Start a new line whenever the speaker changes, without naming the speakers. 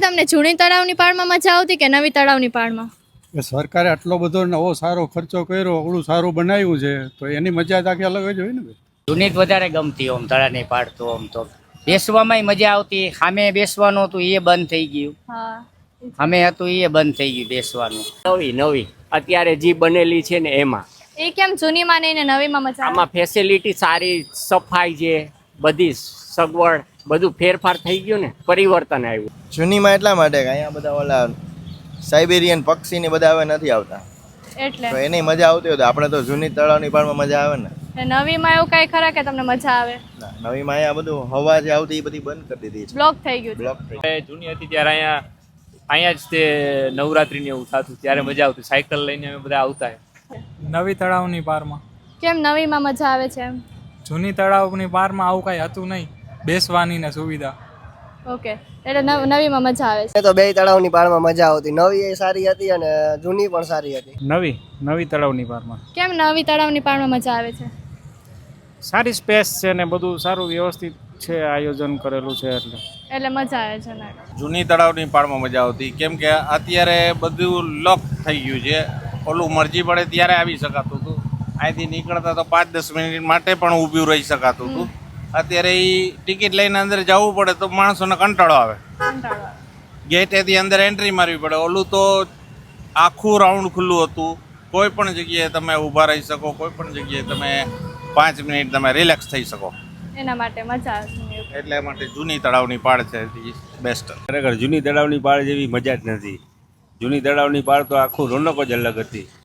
તમને જૂની તળાવની પાળમાં મજા આવતી કે નવી તળાવની પાળમાં?
સરકારે આટલો બધો નવો સારો ખર્ચો કર્યો, ઓળું સારું બનાવ્યું છે તો એની મજા જ આખી અલગ જ હોય ને ભાઈ.
જૂની જ વધારે ગમતી ઓમ તળાની પાડતો ઓમ તો બેસવામાં મજા આવતી. સામે બેસવાનું હતું એ બંધ થઈ ગયું.
હા,
સામે હતું એ બંધ થઈ ગયું બેસવાનું.
નવી અત્યારે જે બનેલી છે ને એમાં
એ કેમ જૂનીમાં નહીં ને નવીમાં મજા આવે?
આમાં ફેસિલિટી સારી, સફાઈ છે, બધી સગવડ, બધું ફેરફાર થઈ ગયું ને, પરિવર્તન આવ્યું.
જૂનીમાં એટલા માટે કે અહીંયા બધા ઓલા સાઇબેરિયન પક્ષી ને બધા હવે નથી આવતા,
એટલે
તો એની મજા આવતી હોય તો આપણે તો જૂની તળાવની પાળમાં મજા આવે ને.
નવીમાં એવું કઈ ખરા કે તમને મજા આવે?
નવીમાં અહીંયા બધું હવા જે આવતી એ બધી બંધ કરી દીધી છે,
બ્લોક થઈ ગયું છે.
બ્લોક થઈ.
જૂની હતી ત્યારે અહીંયા જ તે નવરાત્રિને એવું થતું, ત્યારે મજા આવતી. સાયકલ લઈને અમે બધા આવતા.
નવી તળાવની પારમાં.
કેમ નવીમાં મજા આવે છે એમ?
જૂની તળાવની પારમાં આવું કાંઈ હતું નહીં, બેસવાની ને સુવિધા.
ઓકે, એટલે નવીમાં મજા આવે છે.
તો બે તળાવની પાળમાં મજા આવતી. નવી એ સારી હતી અને જૂની પણ સારી હતી.
નવી તળાવની પારમાં
કેમ નવી તળાવની પાળમાં મજા આવે છે?
સારી સ્પેસ છે ને બધું સારું વ્યવસ્થિત છે, આયોજન કરેલું છે એટલે
મજા આવે છે ને.
જૂની તળાવની પાળમાં મજા આવતી, કેમ કે અત્યારે બધું લોક થઈ ગયું છે. ઓલું મરજી પડે ત્યારે આવી શકાતું હતું. અહીંથી નીકળતા તો 5-10 મિનિટ માટે પણ ઊભું રહી શકાતું હતું. અત્યારે એ ટિકિટ લઈને અંદર જવું પડે તો માણસોને કંટાળો આવે. ગેટેથી અંદર એન્ટ્રી મારવી પડે. ઓલું તો આખું રાઉન્ડ ખુલ્લું હતું. કોઈ પણ જગ્યાએ તમે ઊભા રહી શકો, કોઈ પણ જગ્યાએ તમે 5 મિનિટ તમે રિલેક્સ થઈ શકો.
એના માટે મજા આવે છે.
એટલે માટે જૂની તળાવની પાળ છે બેસ્ટ.
ખરેખર જૂની તળાવની પાળ જેવી મજા જ નથી. જૂની તળાવની પાળ તો આખું રોનક જ અલગ હતી.